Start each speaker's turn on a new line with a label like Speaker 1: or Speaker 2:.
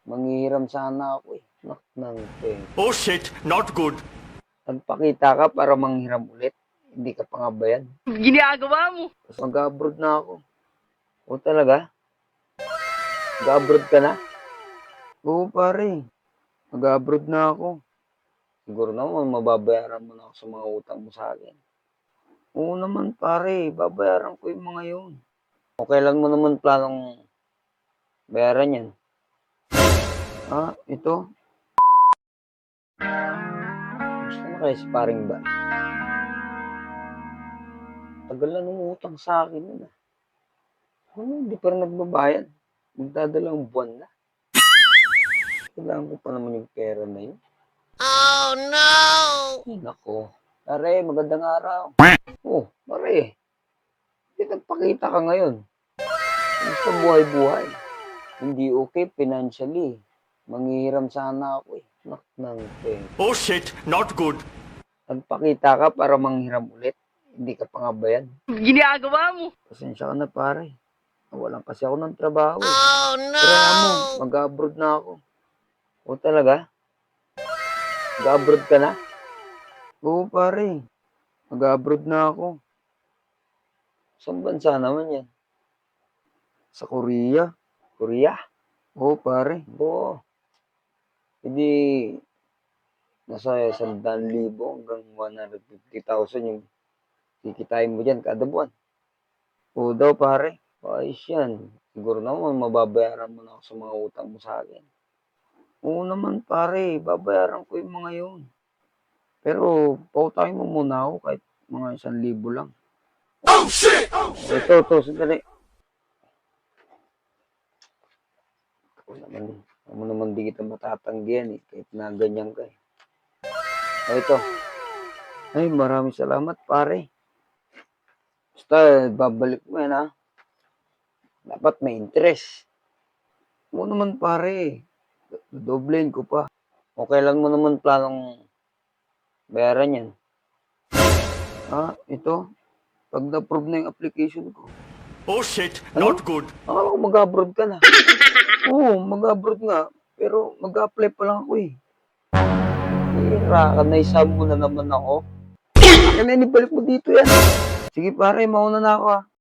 Speaker 1: Manghihiram sana ako eh. Nak ng peng.
Speaker 2: Oh shit, not good.
Speaker 1: Nagpakita ka para manghiram ulit. Hindi ka pa nga ba yan?
Speaker 2: Ginagawa mo.
Speaker 1: Tapos mag-abroad na ako. O talaga? Mag-abroad ka na? Oo pare. Mag-abroad na ako. Siguro naman mababayaran mo na ako sa mga utang mo sa akin. Oo naman pare. Babayaran ko yung mga yun. O kailan mo naman planong bayaran yan? Ah, ito? Gusto na kaya si paring ba? Tagal na nung utang sa akin yun ah. Ano, hindi pa rin nagbabayad. Magdadalang buwan na. Kailangan ko pa naman yung pera na yun.
Speaker 2: Oh no!
Speaker 1: Ay, nako. Pare, magandang araw. Oh, pare. Hindi nagpakita ka ngayon. Gusto buhay-buhay. Hindi okay financially. Manghihiram sana ako eh. Nak ng peng.
Speaker 2: Oh shit, not good.
Speaker 1: Nagpakita ka para manghiram ulit. Hindi ka pa nga ba yan?
Speaker 2: Ginagawa mo.
Speaker 1: Pasensya ka na pare. Nawalan kasi ako ng trabaho eh.
Speaker 2: Oh no!
Speaker 1: Pero alam mo, mag-abroad na ako. O talaga? Mag-abroad ka na? Oo pare. Mag-abroad na ako. Saan bansa naman yan? Sa Korea? Korea? Oo pare. Oo. Hindi nasa 100,000 hanggang 150,000 yung kikitain mo dyan kada buwan. Oo daw pare. Ayos yan. Siguro naman mababayaran mo na ako sa mga utang mo sa akin. Oo naman pare. Babayaran ko yung mga yun. Pero pautahin mo muna ako kahit mga 1,000 lang.
Speaker 2: Oh shit!
Speaker 1: Ito, sandali. Ako naman di kita matatanggihan eh, kahit na ganyan ka eh. O ito. Ay, maraming salamat pare. Basta, babalik mo yan ha. Dapat may interest. Oo naman pare. Doblein ko pa. O kailan mo naman planong bayaran yan? Ah, ito. Pag na-approve na yung application ko.
Speaker 2: Oh shit,
Speaker 1: Ano?
Speaker 2: not good.
Speaker 1: Akala ko mag-abroad ka na. Oo, mag-abroad nga. Pero mag-apply pa lang ako eh. Hira ka, naisab mo na naman ako. Akin na, ibalik mo dito yan. Sige pare, mauna na ako ah.